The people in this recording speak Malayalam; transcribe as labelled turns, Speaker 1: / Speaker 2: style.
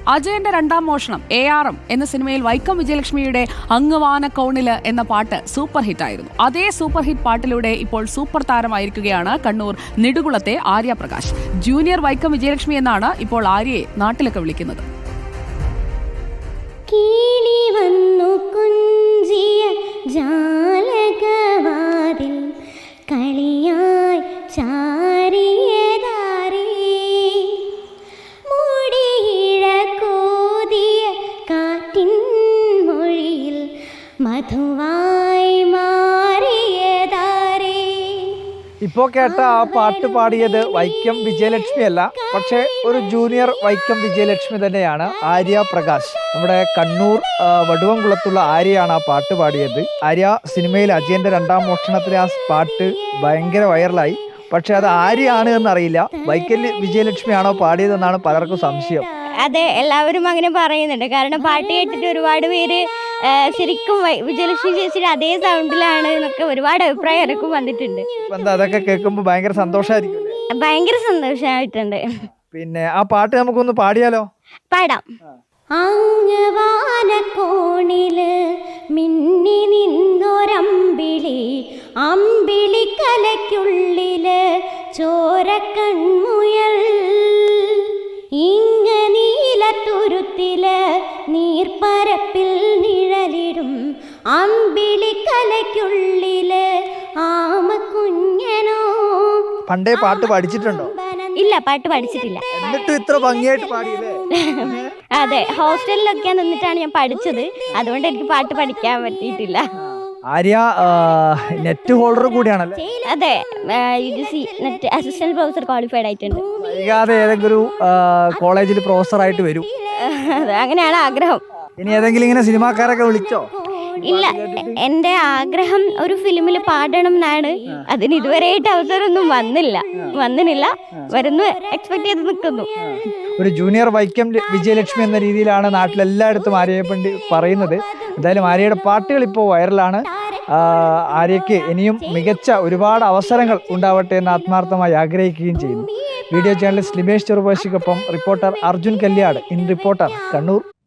Speaker 1: അജയന്റെ രണ്ടാം മോഷണം ARM എന്ന സിനിമയിൽ വൈക്കം വിജയലക്ഷ്മിയുടെ അങ്ങുവാന കൗണില് എന്ന പാട്ട് സൂപ്പർ ഹിറ്റായിരുന്നു. അതേ സൂപ്പർ ഹിറ്റ് പാട്ടിലൂടെ ഇപ്പോൾ സൂപ്പർ താരമായിരിക്കുകയാണ് കണ്ണൂർ നെടുകുളത്തെ ആര്യ പ്രകാശ്. ജൂനിയർ വൈക്കം വിജയലക്ഷ്മി എന്നാണ് ഇപ്പോൾ ആര്യയെ നാട്ടിലൊക്കെ വിളിക്കുന്നത്.
Speaker 2: കളിയായി ചാരിയതാരേ മുടിയിഴ കോതിയ കാറ്റിൻ മൊഴിയിൽ മധുവായി മാറിയതാരേ.
Speaker 3: ഇപ്പോൾ കേട്ട ആ പാട്ട് പാടിയത് വൈക്കം വിജയലക്ഷ്മി അല്ല, പക്ഷേ ഒരു ജൂനിയർ വൈക്കം വിജയലക്ഷ്മി തന്നെയാണ്, ആര്യ പ്രകാശ്. നമ്മുടെ കണ്ണൂർ വടുവംകുളത്തുള്ള ആര്യയാണ് ആ പാട്ട് പാടിയത്. ആര്യ സിനിമയിൽ അജയന്റെ രണ്ടാം മോഷണത്തിലെ ആ പാട്ട് ഭയങ്കര വൈറലായി. പക്ഷെ അത് ആര്യാണ് എന്നറിയില്ല, വൈക്കം വിജയലക്ഷ്മിയാണോ പാടിയതെന്നാണ് പലർക്കും സംശയം.
Speaker 2: അതെ, എല്ലാവരും അങ്ങനെ പറയുന്നുണ്ട്. കാരണം പാട്ട് കേട്ടിട്ട് ഒരുപാട് പേര് ശരിക്കും വിജയലക്ഷ്മി ചേച്ചിയുടെ അതേ സൗണ്ടിലാണ് എന്നൊക്കെ ഒരുപാട് അഭിപ്രായം എനക്കും വന്നിട്ടുണ്ട്.
Speaker 3: എന്താ അതൊക്കെ കേൾക്കുമ്പോൾ ഭയങ്കര സന്തോഷമായിരിക്കും.
Speaker 2: ഭയങ്കര സന്തോഷമായിട്ടുണ്ട്.
Speaker 3: പിന്നെ ആ പാട്ട് നമുക്കൊന്ന് പാടിയാലോ?
Speaker 2: പാടാം. അങ്ങവാന കോണില് മിന്നി നിന്നൊരമ്പിളി, അമ്പിളി കലയ്ക്കുള്ളില് ചോരക്കൺമുയൽ, ഇങ്ങ നീലത്തുരുത്തില് നീർപ്പരപ്പിൽ നിഴലിടും അമ്പിളി കലയ്ക്കുള്ളില് ആമക്കുഞ്ഞനോ.
Speaker 3: പണ്ടേ പാട്ട് പഠിച്ചിട്ടുണ്ടോ?
Speaker 2: ഇല്ല, പാട്ട് പഠിച്ചിട്ടില്ല.
Speaker 3: എന്നിട്ട് ഇത്ര ഭംഗിയായിട്ട് പാടിയില്ലേ?
Speaker 2: അതെ, ഹോസ്റ്റലിലൊക്കെ നിന്നിട്ടാണ് ഞാൻ പഠിച്ചത്, അതുകൊണ്ട് എനിക്ക് പാട്ട് പഠിക്കാൻ പറ്റിയിട്ടില്ല.
Speaker 3: ആര്യ നെറ്റ് ഹോൾഡർ കൂടിയാണല്ലേ?
Speaker 2: അതെ, UGC NET assistant professor qualified ആയിട്ടുണ്ട്.
Speaker 3: വൈകാതെ ഏതെങ്കിലും കോളേജിൽ പ്രൊഫസർ ആയിട്ട് വരും,
Speaker 2: അങ്ങനെയാണ് ആഗ്രഹം.
Speaker 3: ഇനി ഏതെങ്കിലും ഇങ്ങനെ സിനിമാക്കാരൊക്കെ വിളിച്ചോ?
Speaker 2: ഇല്ല, എൻ്റെ ആഗ്രഹം ഒരു ഫിലിമിൽ പാടണം എന്നാണ്. അതിന് ഇതുവരെയായിട്ട് അവസരമൊന്നും വന്നില്ല. വരുന്നു, എക്സ്പെക്ട് ചെയ്ത് നിൽക്കുന്നു.
Speaker 3: ഒരു ജൂനിയർ വൈക്കം വിജയലക്ഷ്മി എന്ന രീതിയിലാണ് നാട്ടിലെല്ലായിടത്തും ആര്യയെ പറ്റി പറയുന്നത്. എന്തായാലും ആര്യയുടെ പാട്ടുകൾ ഇപ്പോൾ വൈറലാണ്. ആര്യയ്ക്ക് ഇനിയും മികച്ച ഒരുപാട് അവസരങ്ങൾ ഉണ്ടാവട്ടെ എന്ന് ആത്മാർത്ഥമായി ആഗ്രഹിക്കുകയും ചെയ്യുന്നു. വീഡിയോ ജേർണലിസ്റ്റ് ലിമേഷ് ചെറുപാശിക്കൊപ്പം reporter Arjun Kalyad, in Reporter, Kannur.